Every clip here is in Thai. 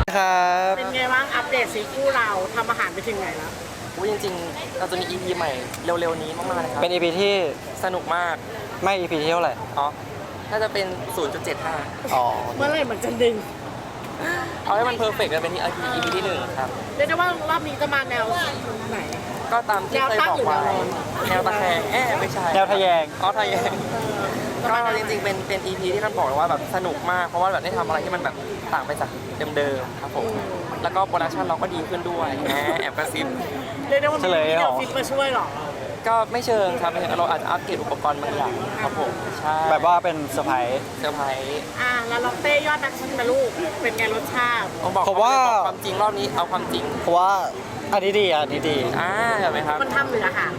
ครับเป็นไงบ้างอัปเดตซีคู่เราทำอาหารไปถึงไหนแล้วจริงๆเราจะมี EP ใหม่เร็วๆนี้มากๆเลยครับเป็น EP ที่สนุกมากไม่ EP ที่เท่าไหร่อ๋อน่าจะเป็น 0.75 อ๋อเมื่อไหร่มันจะดึงเอาให้มันเพอร์เฟกต์กันเป็นที่ EP ที่1ครับเรียกได้ว่ารอบนี้จะมาแนวไหนก็ตามที่เคยบอกไว้แนวตะแคงไม่ใช่แนวทะแยงอ๋อทะแยงก็จริงๆเป็น EP ที่ท่านบอกเลยว่าแบบสนุกมากเพราะว่าแบบได้ทำอะไรที่มันแบบต่างไปจากเดิมๆครับผมแล้วก็โปรดักชันเราก็ดีขึ้นด้วยแอบกระซิบเรียกได้ว่ามีเดี๋ยวฟิตมาช่วยหรอก็ไม่เชิงครับเราอาจจะอัปเกรดอุปกรณ์บางอย่างครับผมใช่แบบว่าเป็นเซอร์ไพรส์แล้วลองเต้ยอดนักชิมนะลูกเป็นไงรสชาติผมว่าความจริงรอบนี้เอาความจริงเพราะว่าอันนี้ดีอันนี้ดีเห็นไหมครับมันทำหรืออาหาร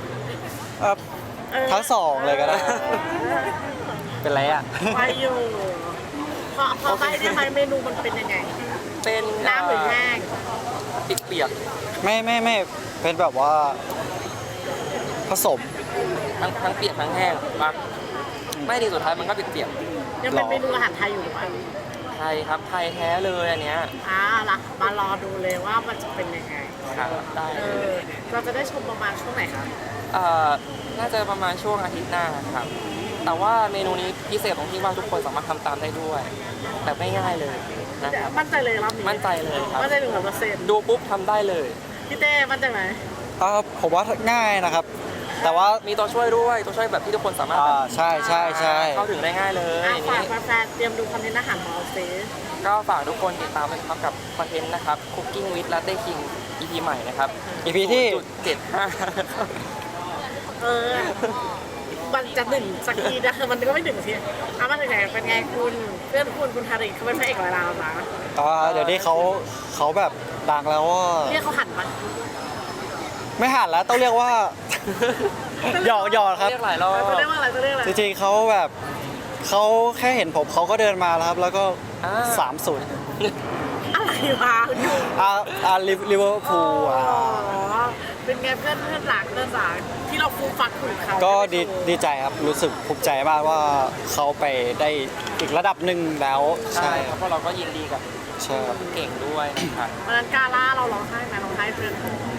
ทั้งสองเลยก็ได้เป็นไรอ่ะไปอยู่พอไปได้ไหมเมนูมันเป็นยังไงเป็นน้ำหรือแห้งเปียกไม่เป็นแบบว่าผสมทั้งเปียกทั้งแห้งปะไม่ดีสุดท้ายมันก็เปียกยังเป็นเมนูอาหารไทยอยู่หรือเปล่าไทยครับไทยแท้เลยอันเนี้ยล่ะมารอดูเลยว่ามันจะเป็นยังไงครับได้เราจะได้ชมประมาณช่วงไหนครับน่าจะประมาณช่วงอาทิตย์หน้าครับแต่ว่าเมนูนี้พิเศษตรงที่ว่าทุกคนสามารถทำตามได้ด้วยแบบไม่ง่ายเลยนะครับมั่นใจเลยรอบนี้มั่นใจเลยครับมั่นใจ100% ดูปุ๊บทำได้เลยพี่เต้มั่นใจไหมผมว่าง่ายนะครับแต่ว่ามีตัวช่วยด้วยตัวช่วยแบบที่ทุกคนสามารถใช่เข้าถึงได้ง่ายเลยฝากแฟนๆเตรียมดูคอนเทนต์อาหารของเราซิก็ฝากทุกคนติดตามเลยครับกับคอนเทนต์นะครับ Cooking with Latte King EP ใหม่นะครับ EP ที่ 0.75 มันจะดึงสักทีนะมันก็ไม่ดึงทีมาถึงไหนเป็นไงคุณเพื่อนคุณทาริเขาเป็นพระเอกร้อยล้านนะเดี๋ยวนี้เขาแบบดังแล้วว่าเรียกเขาหันมาไม่หันแล้วต้องเรียกว่าหยอกครับเรียกหลายรอบจะเรียกว่าอะไรจริงๆเขาแบบเขาแค่เห็นผมเขาก็เดินมาแล้วครับแล้วก็3-0 อะไรวะลิเวอร์พูลเป็นไงเพื่อนหลักที่เราฟูฟักคุยเขาก็ดีใจครับรู้สึกภูมิใจมากว่าเขาไปได้อีกระดับหนึ่งแล้วใช่ครับเพราะเราก็ยินดีกับเก่งด้วยนะครับวันนั้นกาล่าเราร้องไห้ไหมร้องไห้เพื่อน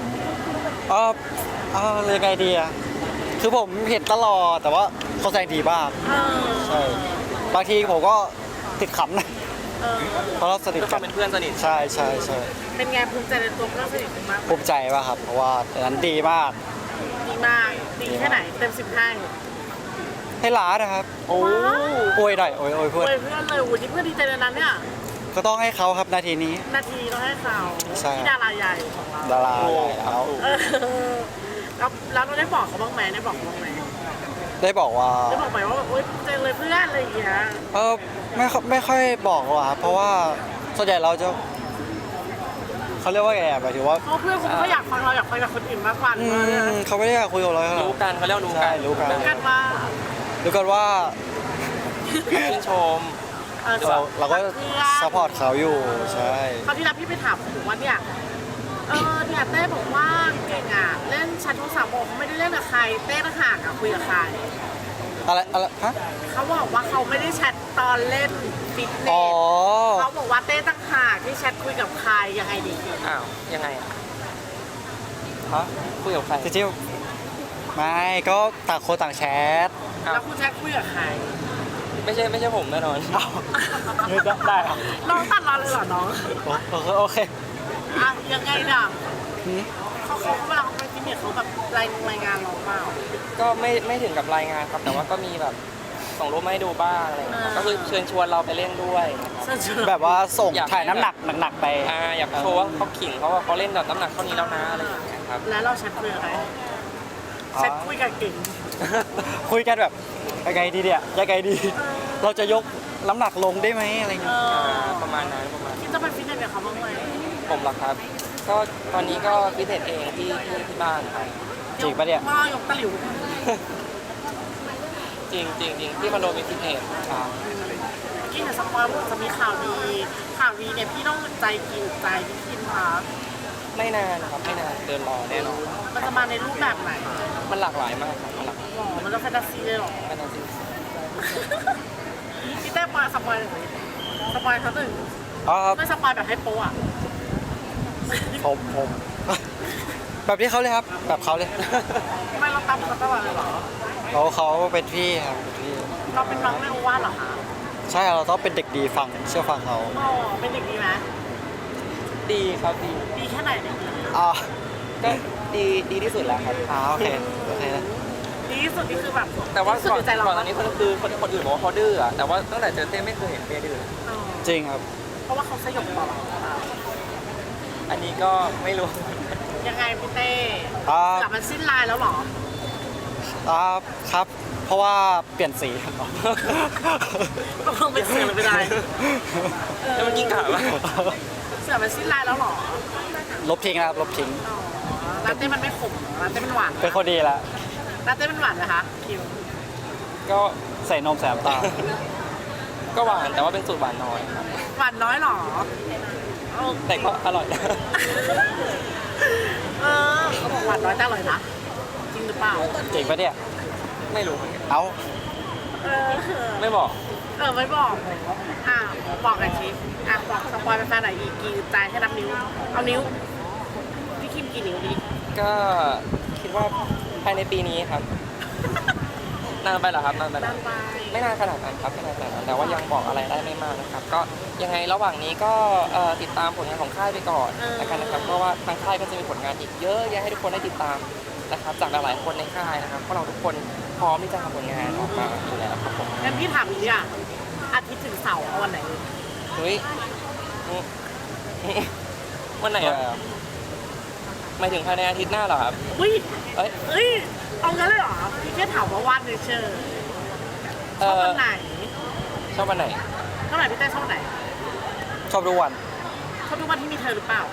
เรื่องไงดีอะคือผมเห็นตลอดแต่ว่าเขาแสดงดีมากใช่บางทีผมก็ติดขำนะเพราะเราสนิทกันเป็นเพื่อนสนิทใช่เป็นไงภูมิใจในตัวเพื่อนสนิทมากภูมิใจมากครับเพราะว่าตอนนั้นดีมากดีแค่ไหนเต็ม10 ให้ล้านะครับโอ้ยหน่อยโอ้ยเพื่อนเลยที่เพื่อนดีใจในนั้นเนี่ยก็ต้องให้เขาครับนาทีต้องให้เขาที่ดาราใหญ่ของเราดาราใหญ่แล้วเราได้บอกเขาบ้างไหมได้บอกเขาบ้างไหมได้บอกว่าโอ๊ยเจอเลยเพื่อนอะไรอย่างเงี้ยไม่ค่อยบอกหรอกครับเพราะว่าส่วนใหญ่เราจะเขาเรียกว่าไงหมายถึงว่าเพื่อนคุณก็อยากฟังเราอยากฟังกับคนอื่นมากกว่าเขาไม่ได้อยากคุยกับเรารู้กันเขาเรียกรู้กันว่าชื่นชมเราก็ซัพพอร์ตเขาอยู่ใช่คราวที่แล้วพี่ไปถามผมว่าเนี่ยเต้บอกว่าเก่งเล่นชัดโทรศัพท์เขาไม่ได้เล่นกับใครเต้ต่างหากคุยกับใครอะไรฮะเขาบอกว่าเขาไม่ได้แชทตอนเล่นฟิตเนสเขาบอกว่าเต้ต่างหากที่แชทคุยกับใครยังไงดียังไงคุยกับใครจริงๆไม่ก็ต่างคนต่างแชทแล้วคุณแชทคุยกับใครไม่ใช่ผมแน่นอนได้น้องตัดเราเลยเหรอน้องโอเคยังไงน่ะเขาเวลาเขาไปฟิตเนสเขาแบบรายงานเราเปล่าก็ไม่ถึงกับรายงานครับแต่ว่าก็มีแบบส่งรูปมาให้ดูบ้างอะไรก็คือเชิญชวนเราไปเล่นด้วยแบบว่าส่งถ่ายน้ำหนักไปอยากโชว์ว่าเขาขิงเขาว่าเขาเล่นแบบน้ำหนักเท่านี้แล้วนะอะไรอย่างเงี้ยครับแล้วเราแชทคุยอะไรแชทคุยกับเก่งคุยกันแบบยังไงดีเราจะยกน้ำหนักลงได้ไหมอะไรเงี้ยประมาณนั้นคิดจะไปฟิตเนสกับเขาบ้างไหมผมหรอครับก็ตอนนี้ก็ฟิตเนสเองที่บ้านครับจริงปะเนี่ยยกตะหลิวจริงที่คอนโดมีฟิตเนสกินแต่สักวันจะมีข่าวดีเนี่ยพี่ต้องใจกินใจพี่คิดค่ะไม่นานครับไม่นานเดินรอแน่นอนมันจะมาในรูปแบบไหนมันหลากหลายมากครับมันจะแฟนตาซีเลยหรอแฟนตาซีพี่เต้ปาสปอยเขาหนึ่งอ๋อไม่สปอยแบบให้โป๊ะอ่ะผม แบบที่เขาเลยครับ แบบเขาเลยไม่เราตามเขาตลอดเลยเหรอเขาเป็นพี่ครับเป็นพี่เราเป็นน้องไม่โอวาทเหรอคะใช่เราต้องเป็นเด็กดีฟังเชื่อฟังเขาอ๋อเป็นเด็กดีไหมดีครับดีดีแค่ไหนเนี่ยอ๋อก็ดีที่สุดแล้วครับโอเคโอเคนะดีที่สุดนี่คือแบบแต่ว่าสุดก่อนในใจเราก่อนอันนี้คนคือคนอื่นบอกว่าเขาดื้ออะแต่ว่าตั้งแต่เจอเต้ไม่เคยเห็นเต้ดื้อเลยอ๋อจริงครับเพราะว่าเขาสยบต่อเราหรือเปล่าอันนี้ก็ไม่รู้ยังไงพี่เต้อ่ากลับมันสิ้นลายแล้วเหรอครับ เพราะว่าเปลี่ยนสีครับก็คงเป็นเสือไม่ได้แล้วมันยิ่งกล่าวว่าเสือมันสิ้นลายแล้วเหรอลบทิ้งนะครับลบทิ้งอ๋อลาเต้มันไม่ขมเหรอลาเต้มันหวานเป็นคนดีละลาเต้มันหวานนะคะคิวก็ใส่นมแสบตาลก็หวานแต่ว่าเป็นสูตรหวานน้อยครับหวานน้อยเหรอโอเคแต่ก็อร่อยนะเขาบอกหวานน้อยแต่อร่อยนะจริงหรือเปล่าจริงปะเนี่ยไม่รู้เหมือนกันเอ้าเออไม่บอกไม่บอกบอกกันชิบอกสปอยเป็นแฟนไหนอีกกี่ใจให้นับนิ้ว เอานิ้ว พี่คิมกี่นิ้วดีก็คิดว่าภายในปีนี้ครับ นานไปเหรอครับนานไปเหรด้าอนไปไม่นานขนาดนั้นครับไม่นานขนาดนั้นแต่ว่ายังบอกอะไรได้ไม่มากนะครับ ก็ยังไงระหว่างนี้ก็ติดตามผลงานของค่ายไปก่อนแล้วกันนะครับเพราะว่าทางค่ายก็จะมีผลงานอีกเยอะแยะให้ทุกคนได้ติดตามนะครับ จากหลายๆคนในค่ายนะครับพวกเราทุกคนพร้อมที่จะทำผลงานออกมาอยู่แล้วครับผมงั้นพี่ถามอีกอย่างอาทิตย์ถึงเสาร์เอาวันไหนเฮ้ยวันไหนอะหมายถึงภายในอาทิตย์หน้าเหรอครับอุ้ยเอ้ยเอ้ย เอางั้นเลยเหรอ พี่แค่ถามว่าวันเฉยๆชอบวันไหนชอบวันไหนเท่าไหร่พี่เต้ชอบวันไหนชอบทุกวันชอบทุกวันที่มีเธอหรือเปล่า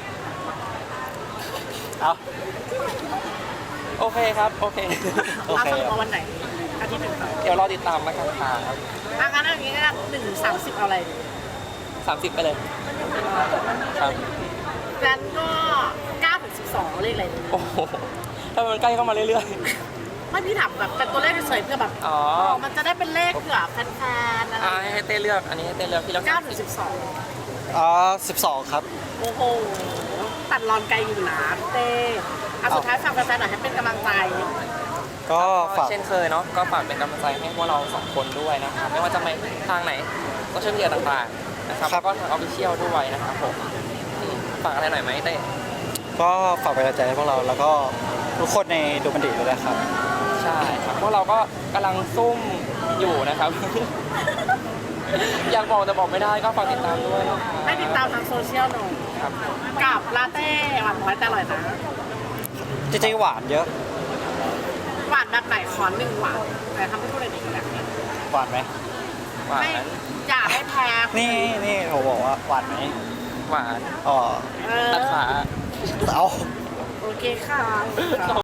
เอ้าโอเคครับโอเคโอเราเคสรุปว่าวันไหน อาทิตย์ถึงเสาร์เดี๋ยวรอติดตามมากันครับงั้นเอาอย่างงี้ก็ได้1 ถึง 30เอาอะไรดี 30 ไปเลยครับงั้นก็9 ถึง 12เลขอะไรดีโอ้โหถ้ามันใกล้เข้ามาเรื่อยไม่พี่ถามแบบเป็นตัวเลขเฉยๆเพื่อแบบๆอ๋อมันจะได้เป็นเลขเผื่อแฟนๆอะไรให้เต้เลือกอันนี้ให้เต้เลือกพี่เลือก 9 ถึง 12 12 ครับโอ้โห ตัดรอนไกลอยู่นะพี่เต้สุดท้ายฝากแฟนๆหน่อยให้เป็นกำลังใจก็ฝากเช่นเคยเนาะก็ฝากเป็นกำลังใจให้พวกเรา2คนด้วยนะครับไม่ว่าจะไปทางไหนโซเชียลมีเดียต่างๆนะครับแล้วก็ทางออฟฟิเชียลด้วยนะครับผมฝากอะไรหน่อยไหมเต้ก็ฝากเป็นกำลังใจให้พวกเราแล้วก็ทุกคนในดูมันดีด้วยนะครับใช่ครับพวกเราก็กำลังซุ่มอยู่นะครับ อยากบอกแต่บอกไม่ได้ก็ฝากติดตามด้วยนะครับให้ติดตามทางโซเชียลหน่อยครับกับลาเต้หวานน้อยแต่อร่อยนะจริงๆหวานเยอะหวานแบบไหนขอ1 หวานแต่ทำให้พูดอะไรดีกันแบบนี้หวานไหมหวานไม่อยากให้แพ้นี่ผมบอกว่าหวานไหมหวานอ๋อเออตัดขาโอเคค่ะ